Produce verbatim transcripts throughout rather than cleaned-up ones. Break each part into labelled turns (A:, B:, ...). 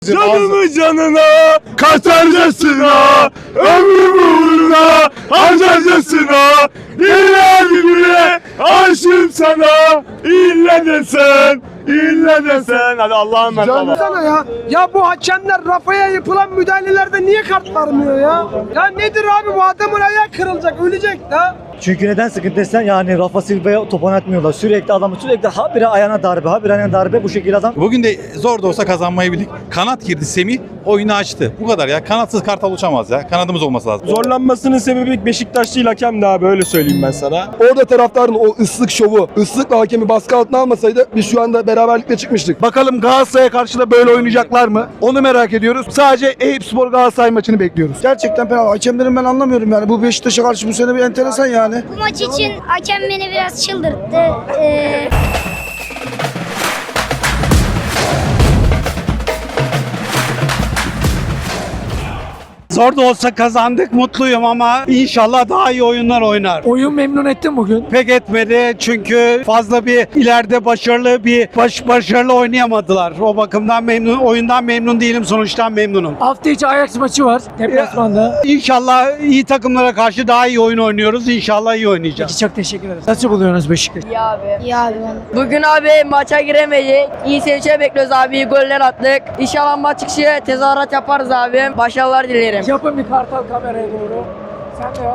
A: Canımı canına katarcasına, ömrümü uğruna harcarcasına, illa gibi aşığım sana, illa desen, illa desen. Hadi Allah'ım ben baba.
B: Sana ya. Ya bu hakemler Rafa'ya yapılan müdahalelerde niye kart vermiyor ya? Ya nedir abi, bu adamın ayağı kırılacak, ölecek da.
C: Çünkü neden sıkıntı desen, yani Rafa Silva'ya top oynatmıyorlar. Sürekli adamı sürekli habire ayağına darbe, habire ayağına darbe, bu şekilde adam.
D: Bugün de zor da olsa kazanmayı bildik. Kanat girdi Semih, oyunu açtı. Bu kadar ya. Kanatsız Kartal uçamaz ya. Kanadımız olması lazım.
A: Zorlanmasının sebebi Beşiktaş değil, hakem de abi, öyle söyleyeyim ben sana.
E: Orada taraftarın o ıslık şovu, ıslıkla hakemi baskı altına almasaydı biz şu anda beraberlikle çıkmıştık.
F: Bakalım Galatasaray'a karşı da böyle oynayacaklar mı? Onu merak ediyoruz. Sadece Eyüpspor Galatasaray maçını bekliyoruz.
B: Gerçekten penaltı. Hakemlerin ben anlamıyorum yani. Bu Beşiktaş'a karşı bu sene bir enteresan yani.
G: Bu maç için hakem beni biraz çıldırttı. Ee...
H: Zor da olsa kazandık, mutluyum ama inşallah daha iyi oyunlar oynar.
B: Oyun memnun ettin bugün.
H: Pek etmedi çünkü fazla bir ileride başarılı bir baş, başarılı oynayamadılar. O bakımdan memnun, oyundan memnun değilim, sonuçtan memnunum.
B: Hafta içi Ajax maçı var deplasmanda.
H: İnşallah iyi takımlara karşı daha iyi oyun oynuyoruz. İnşallah iyi oynayacağız.
B: Peki, çok teşekkür ederiz. Nasıl buluyorsunuz Beşiktaş'ı?
I: İyi abi.
G: İyi abi ben.
I: Bugün abi maça giremedik. İyi seyirciler bekliyoruz abi. İyi goller attık. İnşallah maç çıkışı tezahürat yaparız abi. Başarılar dilerim.
B: Yapın bir kartal kameraya doğru. Sen de yap.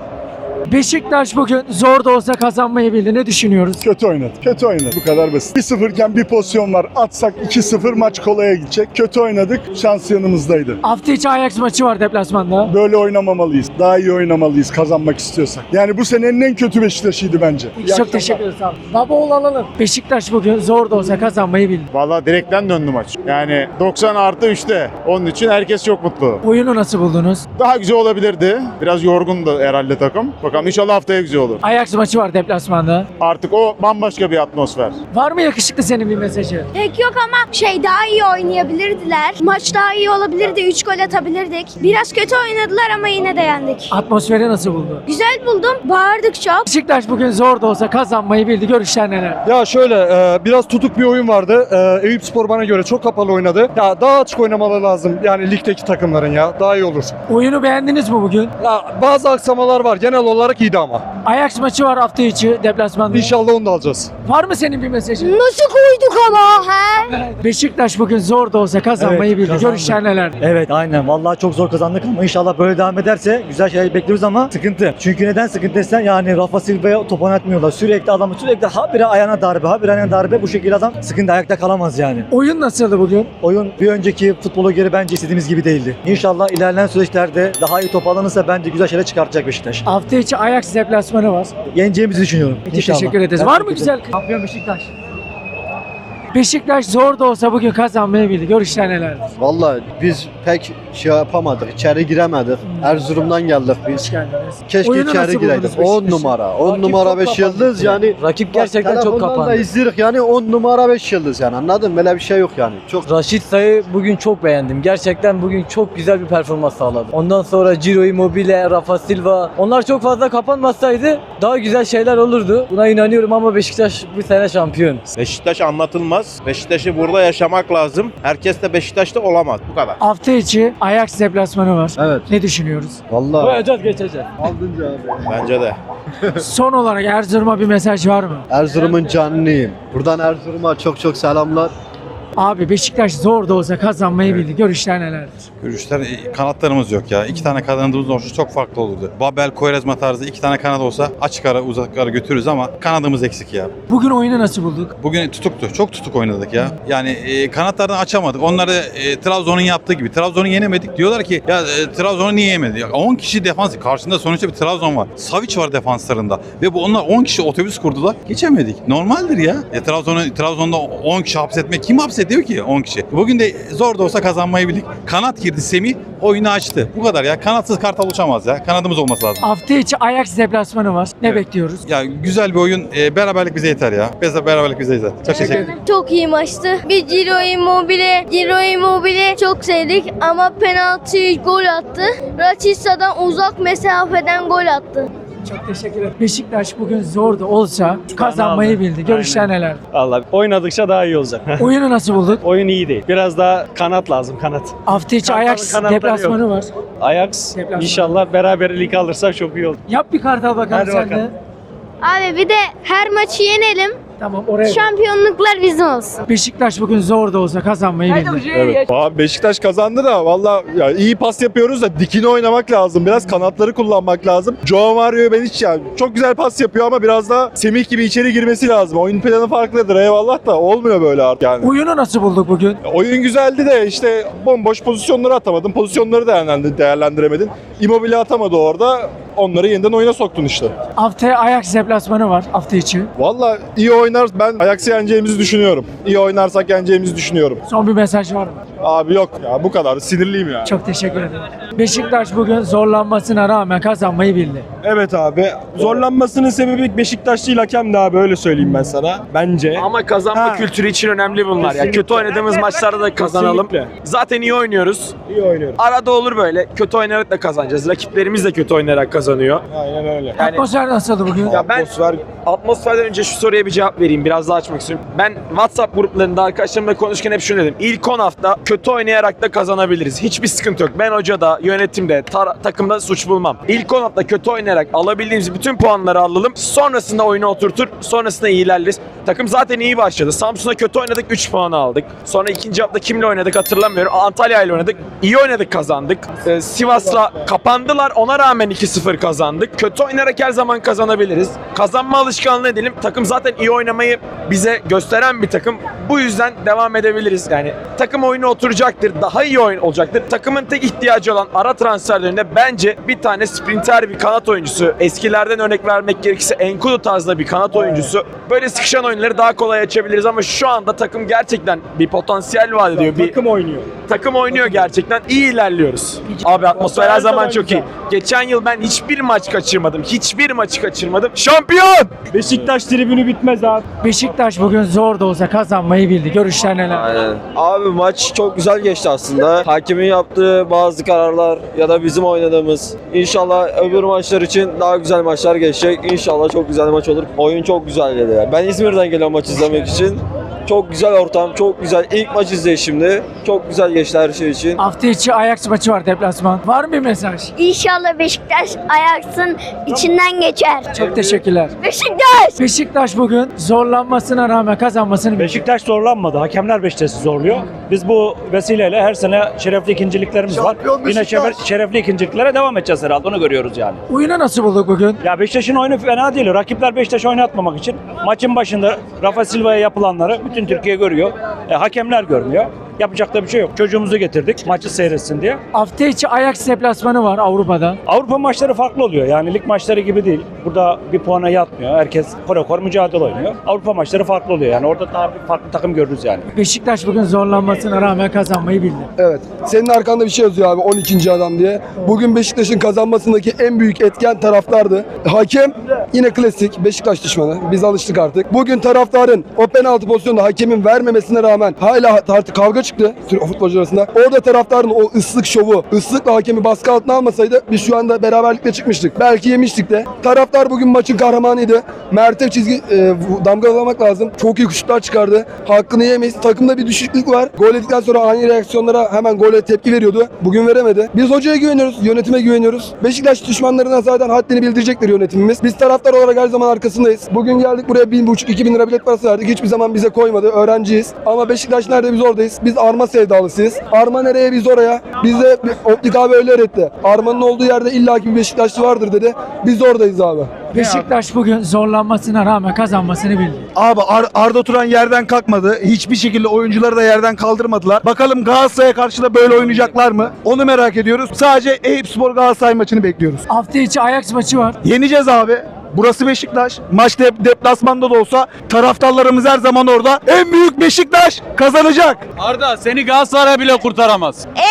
B: Beşiktaş bugün zor da olsa kazanmayı bildi. Ne düşünüyoruz?
J: Kötü oynadı. Kötü oynadı. Bu kadar basit. bir sıfır iken bir pozisyon var. Atsak iki sıfır maç kolaya gidecek. Kötü oynadık. Şans yanımızdaydı.
B: Hafta içi Ajax maçı var deplasmanda.
J: Böyle oynamamalıyız. Daha iyi oynamalıyız kazanmak istiyorsak. Yani bu senenin en kötü Beşiktaş'ıydı bence.
B: Çok teşekkür ederiz abi. Baba oğul alalım. Beşiktaş bugün zor da olsa kazanmayı bildi.
K: Valla direkten döndü maç. Yani doksan artı üçte. Onun için herkes çok mutlu.
B: Oyunu nasıl buldunuz?
K: Daha güzel olabilirdi. Biraz yorgundu herhalde takım. Bakalım inşallah haftaya güzel olur.
B: Ajax maçı var deplasmanda.
K: Artık o bambaşka bir atmosfer.
B: Var mı yakışıklı senin bir mesajı?
G: Pek yok ama şey, daha iyi oynayabilirdiler. Maç daha iyi olabilirdi. üç gol atabilirdik. Biraz kötü oynadılar ama yine de yendik.
B: Atmosferi nasıl buldu?
G: Güzel buldum. Bağırdık çok.
B: Beşiktaş bugün zor da olsa kazanmayı bildi. Görüşler neler?
F: Ya şöyle e, biraz tutuk bir oyun vardı. E, Eyüpspor bana göre çok kapalı oynadı. Ya daha açık oynamaları lazım. Yani ligdeki takımların ya. Daha iyi olur.
B: Oyunu beğendiniz mi bugün?
F: Ya bazı aksamalar var. Genel olarak iyiydi ama.
B: Ajax maçı var hafta içi deplasmanda.
F: İnşallah onu da alacağız.
B: Var mı senin bir mesajın?
G: Nasıl koyduk ama he?
B: Beşiktaş bugün zor da olsa kazanmayı
C: Evet,
B: bildi.
C: kazandı.
B: Görüşler neler?
C: Evet, aynen. Vallahi çok zor kazandık ama inşallah böyle devam ederse güzel şeyler bekliyoruz ama sıkıntı. Çünkü neden sıkıntı desen, yani Rafa Silva'ya top oynatmıyorlar. Sürekli adamı sürekli habire ayağına darbe, habire ayağına darbe, bu şekilde adam sıkıntı, ayakta kalamaz yani.
B: Oyun nasıldı bugün?
C: Oyun bir önceki futbola göre bence istediğimiz gibi değildi. İnşallah ilerleyen süreçlerde daha iyi top alınırsa bence güzel şeyler çıkartacak Beşiktaş.
B: Hafta içi Ajax deplasmanı var.
C: Yeneceğimizi düşünüyorum.
B: Peki,
C: İnşallah.
B: teşekkür ederiz.
C: Ben
B: Var mı
C: teşekkür
B: güzel?
C: ederim.
B: Şampiyon Beşiktaş. Beşiktaş zor da olsa bugün kazanmayı bildi. Görüşler neler?
E: Vallahi biz pek şey yapamadık, içeri giremedik. Erzurum'dan geldik biz.
B: Hoş geldiniz.
E: Keşke
B: Oyunu nasıl
E: içeri gireydik.
B: buldunuz
E: on
B: Beşiktaş'ı?
E: numara, on
B: Rakip
E: numara
B: çok
E: beş
B: kapandı.
E: yıldız yani.
C: Rakip gerçekten çok
E: Telefondan
C: kapandı.
E: da izliyoruz yani on numara beş yıldız yani, anladın mı? Böyle bir şey yok yani. Çok
C: Raşit Say'ı bugün çok beğendim. Gerçekten bugün çok güzel bir performans sağladı. Ondan sonra Ciro Immobile, Rafa Silva, onlar çok fazla kapanmasaydı daha güzel şeyler olurdu. Buna inanıyorum ama Beşiktaş bu sene şampiyon.
A: Beşiktaş anlatılmaz. Beşiktaş'ı burada yaşamak lazım. Herkes de Beşiktaş'ta olamaz. Bu kadar.
B: Hafta içi Ajax deplasmanı var.
E: evet.
B: Ne düşünüyoruz?
E: Vallahi
C: Koyacağız, geçeceğiz.
E: aldınca abi.
A: Bence de.
B: Son olarak Erzurum'a bir mesaj var mı?
E: Erzurum'un canlıyım. Buradan Erzurum'a çok çok selamlar.
B: Abi Beşiktaş zor da olsa kazanmayı bildi. Görüşler nelerdir?
D: Görüşler, e, kanatlarımız yok ya. İki tane kanadımız olsa çok farklı olurdu. Babel, Koyrezma tarzı iki tane kanat olsa açık ara uzak ara götürürüz ama kanadımız eksik ya.
B: Bugün oyunu nasıl bulduk?
D: Bugün tutuktu. Çok tutuk oynadık ya. Yani e, kanatlardan açamadık. Onları e, Trabzon'un yaptığı gibi. Trabzon'u yenemedik. Diyorlar ki ya e, Trabzon'u niye yemedi? Ya, on kişi defans. Karşında sonuçta bir Trabzon var. Savic var defanslarında. Ve bu onlar on kişi otobüs kurdular. Geçemedik. Normaldir ya. E, Trabzon'u Trabzon'da on kişi hapsetmek kim hapsediyor ki on kişi? Bugün de zor da olsa kazanmayı bildik. Kanat girdi Semih. Oyunu açtı. Bu kadar ya. Kanatsız Kartal uçamaz ya. Kanadımız olması lazım.
B: Hafta içi Ajax deplasmanı var. Ne
D: Evet.
B: bekliyoruz?
D: Ya güzel bir oyun. E, beraberlik bize yeter ya. Biz beraberlik bize yeter. Çok teşekkür ederim.
G: Çok iyi maçtı. Bir Ciro Immobile, Ciro Immobile çok sevdik ama penaltı gol attı. Rachitsa'dan uzak mesafeden gol attı.
B: Çok teşekkür ederim. Beşiktaş bugün zor da olsa kazanmayı bildi. Görüşler neler?
L: Vallahi oynadıkça daha iyi olacak.
B: Oyunu nasıl bulduk?
L: Oyun iyi değil. Biraz daha kanat lazım, kanat.
B: Hafta içi
L: Kartal'ın
B: Ajax
L: kanatları
B: deplasmanı var.
L: Ajax
B: Deplasman.
L: inşallah beraberlik alırsak çok iyi olur.
B: Yap bir kartal bakalım
L: Hadi
B: sen
L: bakalım.
B: de.
G: Abi bir de her maçı yenelim.
B: Tamam oraya.
G: Şampiyonluklar bizim olsun.
B: Beşiktaş bugün zor da olsa kazanmayı bildi.
J: Evet. Abi Beşiktaş kazandı da valla ya iyi pas yapıyoruz da dikine oynamak lazım. Biraz kanatları kullanmak lazım. Joao Mario'yu ben hiç yani çok güzel pas yapıyor ama biraz da Semih gibi içeri girmesi lazım. Oyun planı farklıdır eyvallah da olmuyor böyle artık yani.
B: Oyunu nasıl bulduk bugün?
J: Oyun güzeldi de işte bomboş pozisyonları atamadın. Pozisyonları değerlendir- değerlendiremedin. Immobile atamadı orada. Onları yeniden oyuna soktun işte.
B: Haftaya Ajax deplasmanı var hafta içi.
J: Valla iyi oynar. Ben Ajax'ı yeneceğimizi düşünüyorum. İyi oynarsak yeneceğimizi düşünüyorum.
B: Son bir mesaj var mı?
J: Abi yok ya bu kadar. Sinirliyim ya.
B: Çok teşekkür ederim. Beşiktaş bugün zorlanmasına rağmen kazanmayı bildi.
M: Evet abi. Zorlanmasının sebebi Beşiktaş değil hakem de abi öyle söyleyeyim ben sana. Bence.
N: Ama kazanma
M: Ha.
N: kültürü için önemli bunlar. Ya
M: Kesinlikle.
N: kötü oynadığımız maçlarda da kazanalım.
M: Kesinlikle.
N: Zaten iyi oynuyoruz.
M: İyi oynuyoruz.
N: Arada olur böyle. Kötü oynayarak da kazanacağız. Rakiplerimiz de kötü oynayarak kazanıyor.
M: Aynen öyle.
N: Yani
B: Atmosfer nasıldı bugün?
N: ya ben atmosferden önce şu soruya bir cevap vereyim. Biraz daha açmak istiyorum. Ben WhatsApp gruplarında arkadaşlarımla konuşurken hep şunu dedim. İlk on hafta kötü oynayarak da kazanabiliriz. Hiçbir sıkıntı yok. Ben hocada, yönetimde, tar- takımda suç bulmam. İlk on hafta kötü oynayarak alabildiğimiz bütün puanları alalım. Sonrasında oyunu oturtur. Sonrasında iyi ilerleriz. Takım zaten iyi başladı. Samsun'a kötü oynadık, üç puan aldık. Sonra ikinci hafta kimle oynadık hatırlamıyorum. Antalya ile oynadık. İyi oynadık, kazandık. Ee, Sivas'la kapandılar. Ona rağmen iki sıfır kazandık. Kötü oynayarak her zaman kazanabiliriz. Kazanma alışkanlığı edelim. Takım zaten iyi oynamayı bize gösteren bir takım. Bu yüzden devam edebiliriz. Yani takım oyunu oturacaktır. Daha iyi oyun olacaktır. Takımın tek ihtiyacı olan ara transferlerinde bence bir tane sprinter bir kanat oyuncusu. Eskilerden örnek vermek gerekirse Enkudu tarzda bir kanat oyuncusu. Böyle sıkışan oyunları daha kolay açabiliriz ama şu anda takım gerçekten bir potansiyel vaat ediyor. Bir
M: Takım oynuyor.
N: takım oynuyor gerçekten. İyi ilerliyoruz. Abi atmosfer her zaman çok iyi. Geçen yıl ben hiçbir maç kaçırmadım. Hiçbir maçı kaçırmadım. Şampiyon!
M: Beşiktaş tribünü bitmez abi.
B: Beşiktaş bugün zor da olsa kazanmayı bildi. Görüşler neler?
O: Aynen. Abi maç çok güzel geçti aslında. Hakemin yaptığı bazı kararlar ya da bizim oynadığımız. İnşallah öbür maçlar için daha güzel maçlar geçecek. İnşallah çok güzel maç olur. Oyun çok güzel dedi. Ben İzmir'den geliyorum maç izlemek için. Çok güzel ortam, çok güzel. İlk maç izleyişimdi. Çok güzel geçti her şey için.
B: Hafta içi Ajax maçı var deplasman. Var mı bir mesaj?
G: İnşallah Beşiktaş Ajax'ın içinden geçer.
B: Çok teşekkürler.
G: Beşiktaş!
B: Beşiktaş bugün zorlanmasına rağmen kazanmasını bildi.
L: Beşiktaş zorlanmadı. Hakemler Beşiktaş'ı zorluyor. Biz bu vesileyle her sene şerefli ikinciliklerimiz var. Yine şeref, şerefli ikinciliklere devam edeceğiz herhalde. Onu görüyoruz yani.
B: Oyunu nasıl bulduk bugün?
L: Ya Beşiktaş'ın oyunu fena değil. Rakipler Beşiktaş'ı oynatmamak için maçın başında Rafa Silva'ya yapılanları bütün Türkiye görüyor. E, hakemler görmüyor. Yapacak da bir şey yok. Çocuğumuzu getirdik maçı seyretsin diye.
B: Hafta içi Ajax deplasmanı var Avrupa'da.
L: Avrupa maçları farklı oluyor. Yani lig maçları gibi değil. Burada bir puana yatmıyor. Herkes korokor mücadele oynuyor. Avrupa maçları farklı oluyor. Yani orada daha bir farklı takım görürüz yani.
B: Beşiktaş bugün zorlanmasına rağmen kazanmayı bildi.
E: Evet. Senin arkanda bir şey yazıyor abi on ikinci adam diye. Bugün Beşiktaş'ın kazanmasındaki en büyük etken taraftardı. Hakem yine klasik Beşiktaş düşmanı. Biz alıştık artık. Bugün taraftarın o penaltı pozisyonunda hakemin vermemesine rağmen hala artık kavga çıktı futbolcular arasında. Orada taraftarın o ıslık şovu, ıslıkla hakemi baskı altına almasaydı biz şu anda beraberlikle çıkmıştık. Belki yemiştik de. Taraftar bugün maçın kahramanıydı. Mert'e çizgi e, damgalamak lazım. Çok iyi şutlar çıkardı. Hakkını yemeyiz. Takımda bir düşüklük var. Gol ettikten sonra ani reaksiyonlara hemen gole tepki veriyordu. Bugün veremedi. Biz hocaya güveniyoruz. Yönetime güveniyoruz. Beşiktaş düşmanlarına zaten haddini bildirecektir yönetimimiz. Biz taraftar olarak her zaman arkasındayız. Bugün geldik buraya bin buçuk, iki bin lira bilet parası verdik. Hiçbir zaman bize koymadı. Öğrenciyiz. Ama Beşiktaş nerede biz oradayız. Biz Arma sevdalısıyız. Arma nereye biz oraya. Bize Optik abi öyle öğretti. Arma'nın olduğu yerde illaki bir Beşiktaşlı vardır dedi. Biz oradayız abi.
B: Beşiktaş bugün zorlanmasına rağmen kazanmasını bildi.
M: Abi Ar- Arda Turan yerden kalkmadı. Hiçbir şekilde oyuncuları da yerden kaldırmadılar. Bakalım Galatasaray'a karşı da böyle oynayacaklar mı? Onu merak ediyoruz. Sadece Eyüpspor Galatasaray maçını bekliyoruz.
B: Hafta içi Ajax maçı var.
M: Yeneceğiz abi. Burası Beşiktaş. Maç de- deplasmanda da olsa taraftarlarımız her zaman orada. En büyük Beşiktaş kazanacak.
L: Arda seni Galatasaray bile kurtaramaz.
G: En büyük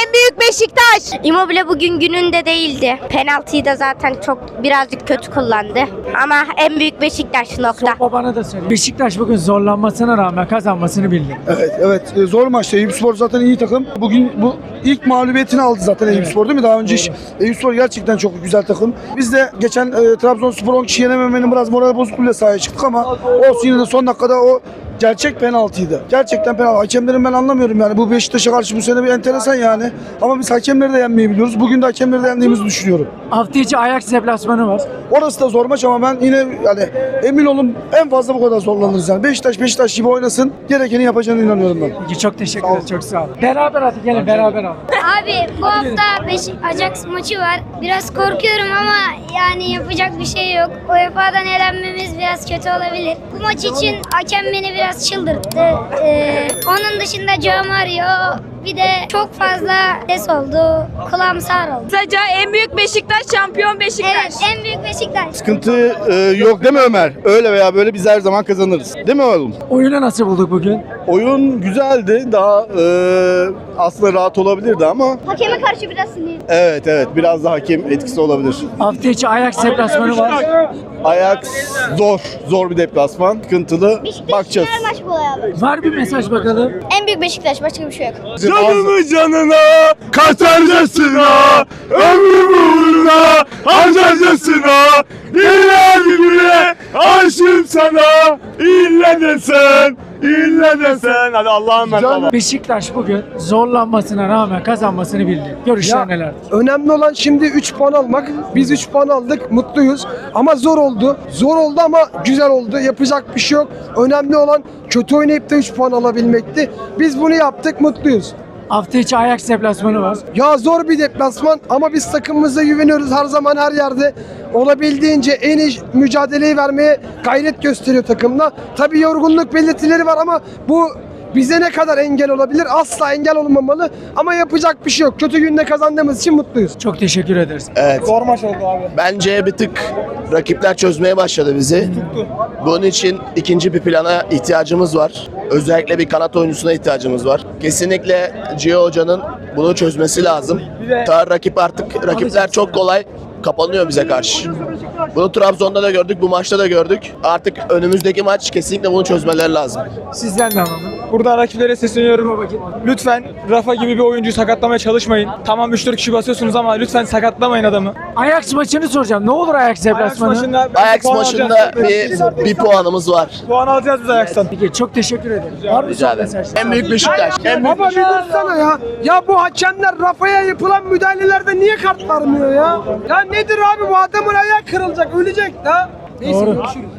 G: Beşiktaş. Immobile bugün gününde değildi. Penaltıyı da zaten çok birazcık kötü kullandı. Ama en büyük Beşiktaş nokta.
P: Babana da söyle. Beşiktaş bugün zorlanmasına rağmen kazanmasını bildi.
M: Evet, evet. E, Zor maçtı. Eyüpspor zaten iyi takım. Bugün bu ilk mağlubiyetini aldı zaten Eyüpspor değil mi? Daha önce hiç- Eyüpspor gerçekten çok güzel takım. Biz de geçen e, Trabzonspor on kişi yenememenin biraz moral bozukluğuyla sahaya çıktık ama olsun, yine de son dakikada o gerçek penaltıydı. Gerçekten penaltı. Hakemlerin ben anlamıyorum yani. Bu Beşiktaş'a karşı bu sene bir enteresan yani. Ama biz hakemleri de yenmeyi biliyoruz. Bugün de hakemleri de yendiğimizi düşünüyorum.
P: Hafta içi Ajax deplasmanı var.
M: Orası da zor maç ama ben yine yani emin olun en fazla bu kadar zorlanırız yani. Beşiktaş Beşiktaş gibi oynasın. Gerekeni yapacağına inanıyorum ben.
P: Peki, çok teşekkür ederim. Çok sağ ol. Beraber hadi gelin beraber al.
G: Abi bu hafta Beşik Ajax maçı var. Biraz korkuyorum ama yani yapacak bir şey yok. U E F A'dan elenmemiz biraz kötü olabilir. Bu maç için hakem beni biraz çıldırttı. Ee, onun dışında Joe Mario, bir de çok fazla ses oldu. Kulağım sağır oldu.
I: Kısaca en büyük Beşiktaş, şampiyon Beşiktaş.
G: Evet, en büyük Beşiktaş.
J: Sıkıntı e, yok değil mi Ömer? Öyle veya böyle biz her zaman kazanırız. Değil mi oğlum?
P: Oyunu nasıl bulduk bugün?
J: Oyun güzeldi. Daha e, aslında rahat olabilirdi ama
G: Hakeme karşı biraz sinirli.
J: evet evet biraz da hakem etkisi olabilir.
P: Hafta içi Ajax deplasmanı var.
J: Ajax zor. Zor bir deplasman. Sıkıntılı. Bakacağız.
G: Maç bu abi.
P: Var bir mesaj bakalım.
G: En büyük Beşiktaş, başka bir şey yok.
J: Canımı canına katarcasına ömrümü uğruna harcarcasına illa güne aşığım sana illa desen illa desen hadi Allah'a emanet ol.
P: Beşiktaş bugün zorlanmasına rağmen kazanmasını bildi. Görüşler
B: Ya,
P: nelerdir?
B: önemli olan şimdi üç puan almak. Biz üç puan aldık, mutluyuz. Ama zor oldu. Zor oldu ama güzel oldu. Yapacak bir şey yok. Önemli olan kötü oynayıp da üç puan alabilmekti. Biz bunu yaptık, mutluyuz.
P: Hafta içi Ajax deplasmanı var.
B: Ya zor bir deplasman ama biz takımımıza güveniyoruz, her zaman her yerde olabildiğince en iyi mücadeleyi vermeye gayret gösteriyor takımda. Tabii yorgunluk belirtileri var ama bu bize ne kadar engel olabilir? Asla engel olmamalı ama yapacak bir şey yok. Kötü günde kazandığımız için mutluyuz.
P: Çok teşekkür ederiz.
Q: Evet.
B: Zor maç oldu abi.
Q: Bence bir tık rakipler çözmeye başladı bizi. Bunun için ikinci bir plana ihtiyacımız var. Özellikle bir kanat oyuncusuna ihtiyacımız var. Kesinlikle Gio Hoca'nın bunu çözmesi lazım. Ta rakip artık rakipler çok kolay kapanıyor bize karşı. Bunu Trabzon'da da gördük, bu maçta da gördük. Artık önümüzdeki maç kesinlikle bunu çözmeleri lazım.
P: Sizden de alalım.
R: Buradan rakiplere sesleniyorum. Lütfen Rafa gibi bir oyuncuyu sakatlamaya çalışmayın. Tamam üç dört kişi basıyorsunuz ama lütfen sakatlamayın adamı.
P: Ajax maçını soracağım. Ne olur Ajax deplasmanı?
R: maçında-
Q: Ajax
R: puan
Q: maçında
R: alacağız.
Q: bir, bir puanımız var.
R: Puan alacağız biz Ajax'tan.
P: Peki, çok teşekkür ederim. Var mı
Q: Rica
P: son
Q: ederim.
P: mesaj?
Q: En büyük Beşiktaş. En büyük
B: Baba bir dursana ya. Ya bu hakemler Rafa'ya yapılan müdahalelerde niye kart vermiyor ya? Ya nedir abi, bu adamın ayağı kırılacak, ölecek da. Neyse,
P: Doğru.
B: görüşürüz.